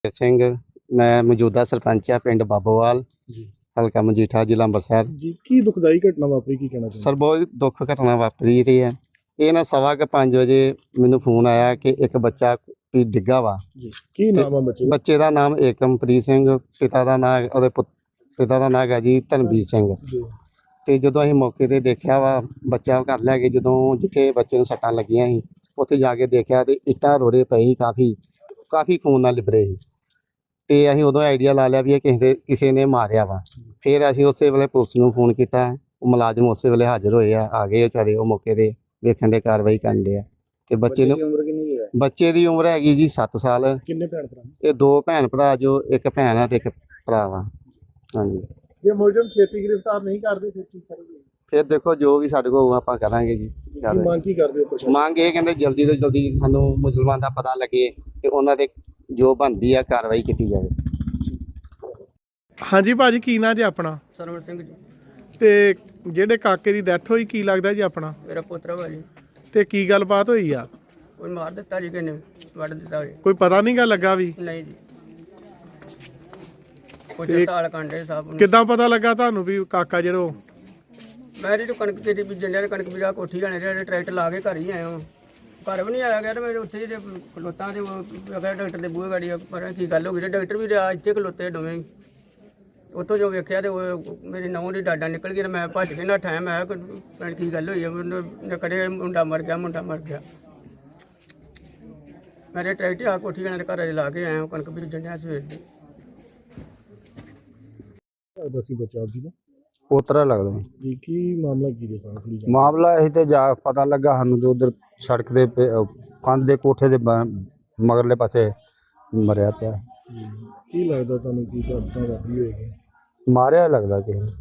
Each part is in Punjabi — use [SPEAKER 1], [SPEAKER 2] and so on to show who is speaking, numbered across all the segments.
[SPEAKER 1] ਸਿੰਘ ਮੈਂ ਮੌਜੂਦਾ ਸਰਪੰਚ ਆ ਪਿੰਡ ਬਾਬੋਵਾਲ
[SPEAKER 2] ਜੀ
[SPEAKER 1] ਹਲਕਾ ਮਜੀਠਾ ਜ਼ਿਲ੍ਹਾ ਅੰਮ੍ਰਿਤਸਰ।
[SPEAKER 2] ਜੀ ਕੀ ਦੁਖਦਾਈ ਘਟਨਾ ਵਾਪਰੀ, ਕੀ ਕਹਿਣਾ ਚਾਹੁੰਦੇ?
[SPEAKER 1] ਸਰ ਬਹੁਤ ਦੁੱਖ ਘਟਨਾ ਵਾਪਰੀ ਰਹੀ ਹੈ। ਇਹ ਨਾ 5:15 ਵਜੇ ਮੈਨੂੰ ਫੋਨ ਆਇਆ ਕਿ ਇੱਕ ਬੱਚਾ ਵੀ ਡਿੱਗਾ ਵਾ।
[SPEAKER 2] ਜੀ ਕੀ ਨਾਮ ਆ ਬੱਚੇ ਦਾ?
[SPEAKER 1] ਬੱਚੇ ਦਾ ਨਾਮ ਏਕਮਪ੍ਰੀਤ ਸਿੰਘ, ਪਿਤਾ ਦਾ ਨਾਮ ਉਹਦੇ ਪਿਤਾ ਦਾ ਨਾਮ ਹੈ ਜੀ ਧਨਵੀਰ ਸਿੰਘ।
[SPEAKER 2] ਜੀ
[SPEAKER 1] ਤੇ ਜਦੋਂ ਅਸੀਂ ਮੌਕੇ ਤੇ ਦੇਖਿਆ ਵਾ ਬੱਚਾ ਘਰ ਲੈ ਕੇ, ਜਦੋਂ ਜਿੱਥੇ ਬੱਚੇ ਨੂੰ ਸੱਟਾਂ ਲੱਗੀਆਂ ਸੀ ਉੱਥੇ ਜਾ ਕੇ ਦੇਖਿਆ ਤੇ ਇੱਟਾਂ ਰੋੜੇ ਪਏ ਸੀ, ਕਾਫੀ ਖੂਨ ਨਾਲ ਲਿਬੜੇ ਸੀ। ਤੇ ਅਸੀਂ ਉਦੋਂ ਆਈਡੀਆ ਲਾ ਲਿਆ ਵੀ ਇਹ ਕਿਸੇ ਨੇ ਮਾਰਿਆ ਵਾ। ਫਿਰ ਅਸੀਂ ਉਸੇ ਵੇਲੇ ਪੁਲਿਸ ਨੂੰ ਫੋਨ ਕੀਤਾ, ਉਹ ਮੁਲਾਜ਼ਮ ਉਸੇ ਵੇਲੇ ਹਾਜ਼ਰ ਹੋਏ ਆ ਗਏ ਵਿਚਾਰੇ, ਉਹ ਮੌਕੇ ਤੇ ਵੇਖਣ ਦੇ ਕਾਰਵਾਈ ਕਰਨ ਦੇ ਆ। ਤੇ ਬੱਚੇ ਨੂੰ
[SPEAKER 2] ਉਮਰ ਕਿੰਨੀ ਹੈ?
[SPEAKER 1] ਬੱਚੇ ਦੀ ਉਮਰ ਹੈਗੀ ਜੀ 7 ਸਾਲ।
[SPEAKER 2] ਕਿੰਨੇ ਭੈਣ ਭਰਾ?
[SPEAKER 1] ਇਹ 2 ਭੈਣ ਭਰਾ, ਜੋ ਇੱਕ ਭੈਣ ਆ ਤੇ ਇੱਕ ਭਰਾ ਵਾ। ਹਾਂਜੀ,
[SPEAKER 2] ਜੇ ਮੁਲਜ਼ਮ ਛੇਤੀ ਗ੍ਰਿਫਤਾਰ ਨਹੀਂ ਕਰਦੇ ਫਿਰ ਕੀ ਕਰੋਗੇ?
[SPEAKER 1] ਫਿਰ ਦੇਖੋ ਜੋ ਵੀ ਸਾਡੇ ਕੋਲ ਆਪਾਂ ਕਰਾਂਗੇ ਜੀ।
[SPEAKER 2] ਕੀ ਮੰਗ ਕੀ ਕਰਦੇ ਹੋ ਪ੍ਰਸ਼ਾਸਨ?
[SPEAKER 1] ਮੰਗ ਇਹ ਕਹਿੰਦੇ ਜਲਦੀ ਤੋਂ ਜਲਦੀ ਸਾਨੂੰ ਮੁਸਲਮਾਨ ਦਾ ਪਤਾ ਲੱਗੇ ਤੇ ਉਹਨਾਂ ਦੇ ਜੋ ਬਣਦੀ ਆ ਕਾਰਵਾਈ ਕੀਤੀ ਜਾਵੇ।
[SPEAKER 2] ਹਾਂਜੀ ਭਾਜੀ, ਕੀ ਨਾਂ ਜੀ ਆਪਣਾ?
[SPEAKER 3] ਸਰਵਣ ਸਿੰਘ ਜੀ,
[SPEAKER 2] ਤੇ ਜਿਹੜੇ ਕਾਕੇ ਦੀ ਡੈਥ ਹੋਈ ਕੀ ਲੱਗਦਾ ਜੀ ਆਪਣਾ?
[SPEAKER 3] ਮੇਰਾ ਪੁੱਤਰ ਵਾ ਜੀ।
[SPEAKER 2] ਤੇ ਕੀ ਗੱਲਬਾਤ ਹੋਈ ਆ?
[SPEAKER 3] ਕੋਈ ਮਾਰ ਦਿੱਤਾ ਜੀ, ਕਿਨੇ ਵੱਢ ਦਿੱਤਾ ਜੀ?
[SPEAKER 2] ਕੋਈ ਪਤਾ ਨਹੀਂ ਗਾ ਲੱਗਾ ਵੀ?
[SPEAKER 3] ਨਹੀਂ ਜੀ, ਕੋਈ ਤਾਲ ਕਾਂਡੇ ਸਾਹਿਬ ਨੂੰ।
[SPEAKER 2] ਕਿੱਦਾਂ ਪਤਾ ਲੱਗਾ ਤੁਹਾਨੂੰ ਵੀ ਕਾਕਾ ਜਿਹੜਾ?
[SPEAKER 3] ਮੈਂ ਜੀ ਕਣਕ ਤੇਰੀ ਬੀਜਣ ਡਿਆ, ਕਣਕ ਬੀਜਾ ਕੋਠੀ ਜਾਣੇ ਜਿਹੜੇ ਟਰੈਕਟਰ ਲਾ ਕੇ ਘਰ ਹੀ ਆਇਆ ਹਾਂ। ਘਰ ਵੀ ਨਹੀਂ ਆਇਆ ਗਿਆ ਤੇ ਮੇਰੇ ਉੱਥੇ ਜਿਹੜੇ ਖਲੋਤਾਂ ਤੇ ਡਾਕਟਰ ਦੇ ਬੂਹੇ ਗਾੜੀ ਪਰ ਕੀ ਗੱਲ ਹੋ ਗਈ, ਡਾਕਟਰ ਵੀ ਇੱਥੇ ਖਲੋਤੇ ਦੋਵੇਂ ਹੀ। ਉੱਥੋਂ ਜੋ ਵੇਖਿਆ ਤੇ ਉਹ ਮੇਰੀ ਨਹੁੰ ਦੀ ਡਾਡਾ ਨਿਕਲ ਗਈ ਤੇ ਮੈਂ ਭੱਜ ਕੇ ਨਾ ਟਾਈਮ ਆਇਆ ਕੀ ਗੱਲ ਹੋਈ ਹੈ। ਮੈਨੂੰ ਕੜੇ ਮੁੰਡਾ ਮਰ ਗਿਆ। ਮੇਰੇ ਟਰੈਕਟਰ ਆ ਕੋਠੀ ਜਾਣੇ ਦੇ ਘਰ ਲਾ ਕੇ ਆਇਆ, ਕਣਕ ਬੀਜਣ ਡਿਆ ਸਵੇਰ ਦੀ।
[SPEAKER 2] ਦੱਸੀ ਬੱਚਾ ਜੀ ਦਾ
[SPEAKER 1] ਪੋਤਰਾ ਲੱਗਦਾ
[SPEAKER 2] ਜੀ, ਕੀ ਮਾਮਲਾ ਕੀ ਦੇ ਸਾਹਮਣੇ?
[SPEAKER 1] ਮਾਮਲਾ ਇਹ ਤੇ ਜਾ ਪਤਾ ਲੱਗਾ ਸਾਨੂੰ ਤੇ ਉਧਰ ਸੜਕ ਦੇ ਕੰਧ ਦੇ ਕੋਠੇ ਦੇ ਮਗਰਲੇ ਪਾਸੇ ਮਰਿਆ ਪਿਆ।
[SPEAKER 2] ਕੀ ਲੱਗਦਾ ਤੁਹਾਨੂੰ, ਕੀ ਘਟਨਾ ਵਾਪਰੀ ਹੋਏਗੀ?
[SPEAKER 1] ਮਾਰਿਆ ਲੱਗਦਾ ਕਿਸੇ ਨੇ।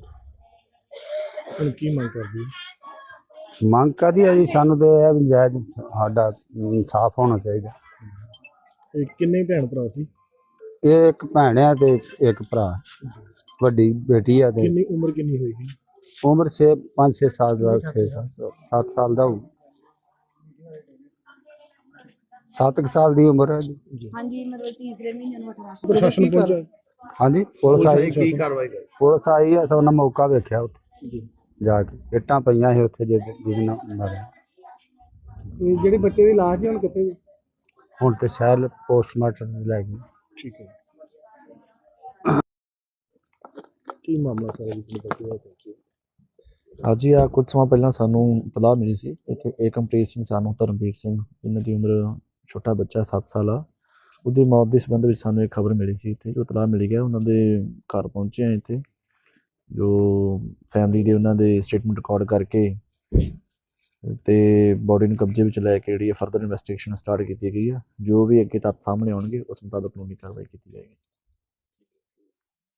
[SPEAKER 2] ਹੁਣ ਕੀ ਮੰਗ ਕਰਦੀ?
[SPEAKER 1] ਮੰਗ ਕਾਹਦੀ ਹੈ ਜੀ, ਸਾਨੂੰ ਤੇ ਇਹ ਵੀ ਜਾਇਜ਼ ਸਾਡਾ ਇਨਸਾਫ ਹੋਣਾ ਚਾਹੀਦਾ।
[SPEAKER 2] ਇਹ ਕਿੰਨੇ ਭੈਣ ਭਰਾ ਸੀ?
[SPEAKER 1] ਇਹ ਇੱਕ ਭੈਣ ਆ ਤੇ ਇੱਕ ਭਰਾ, ਵੱਡੀ ਬੇਟੀ ਆ। ਤੇ
[SPEAKER 2] ਕਿੰਨੀ ਉਮਰ ਕਿੰਨੀ ਹੋਏਗੀ?
[SPEAKER 1] ਉਮਰ 5-6 ਸਾਲ ਦਾ, 7 ਸਾਲ ਦਾ ਹੋਊ। 7 ਸਾਲ ਦੀ ਉਮਰ ਹੈ ਜੀ।
[SPEAKER 4] ਹਾਂਜੀ, ਮਤਲਬ ਤੀਸਰੇ ਮਹੀਨੇ ਨੂੰ 18
[SPEAKER 2] ਪ੍ਰਸ਼ਾਸਨ ਪਹੁੰਚਾ?
[SPEAKER 1] ਹਾਂਜੀ, ਪੁਲਿਸ ਆਈ।
[SPEAKER 2] ਕੀ ਕਾਰਵਾਈ ਕਰ?
[SPEAKER 1] ਪੁਲਿਸ ਆਈ ਆ, ਸਭ ਨੇ ਮੌਕਾ ਵੇਖਿਆ ਉੱਥੇ
[SPEAKER 2] ਜੀ,
[SPEAKER 1] ਜਾ ਕੇ। ਇੱਟਾਂ ਪਈਆਂ ਸੀ ਉੱਥੇ ਜਿਹਦੇ ਨਾਲ ਮਾਰਿਆ।
[SPEAKER 2] ਤੇ ਜਿਹੜੇ ਬੱਚੇ ਦੀ ਲਾਸ਼ ਜੀ ਹੁਣ ਕਿੱਥੇ?
[SPEAKER 1] ਹੁਣ ਤੇ ਸ਼ਾਇਦ ਪੋਸਟਮਾਰਟਮ ਲੈ ਗਏ।
[SPEAKER 2] ਠੀਕ ਹੈ। ਕੀ ਮਾਮਲਾ ਸਾਰਾ ਜੀ ਬੱਚੇ ਦਾ?
[SPEAKER 5] ਅੱਜ ਹੀ ਆ ਕੁਝ ਸਮਾਂ ਪਹਿਲਾਂ ਸਾਨੂੰ ਇਤਲਾਹ ਮਿਲੀ ਸੀ ਇੱਥੇ ਏਕਮਪ੍ਰੀਤ ਸਿੰਘ ਸਾਨੂੰ ਧਰਮਵੀਰ ਸਿੰਘ, ਇਹਨਾਂ ਦੀ ਉਮਰ ਛੋਟਾ ਬੱਚਾ 7 ਸਾਲ ਆ, ਉਹਦੀ ਮੌਤ ਦੇ ਸੰਬੰਧ ਵਿੱਚ ਸਾਨੂੰ ਇੱਕ ਖਬਰ ਮਿਲੀ ਸੀ। ਇੱਥੇ ਜੋ ਇਤਲਾਹ ਮਿਲੀ ਗਿਆ ਉਹਨਾਂ ਦੇ ਘਰ ਪਹੁੰਚੇ ਆ ਇੱਥੇ, ਜੋ ਫੈਮਿਲੀ ਦੇ ਉਹਨਾਂ ਦੇ ਸਟੇਟਮੈਂਟ ਰਿਕਾਰਡ ਕਰਕੇ ਤੇ ਬੋਡੀ ਨੂੰ ਕਬਜ਼ੇ ਵਿੱਚ ਲੈ ਕੇ ਜਿਹੜੀ ਫਰਦਰ ਇਨਵੈਸਟੀਗੇਸ਼ਨ ਸਟਾਰਟ ਕੀਤੀ ਗਈ ਆ। ਜੋ ਵੀ ਅੱਗੇ ਤੱਥ ਸਾਹਮਣੇ ਆਉਣਗੇ ਉਸ ਮੁਤਾਬਕ ਕਾਨੂੰਨੀ ਕਾਰਵਾਈ ਕੀਤੀ ਜਾਏਗੀ।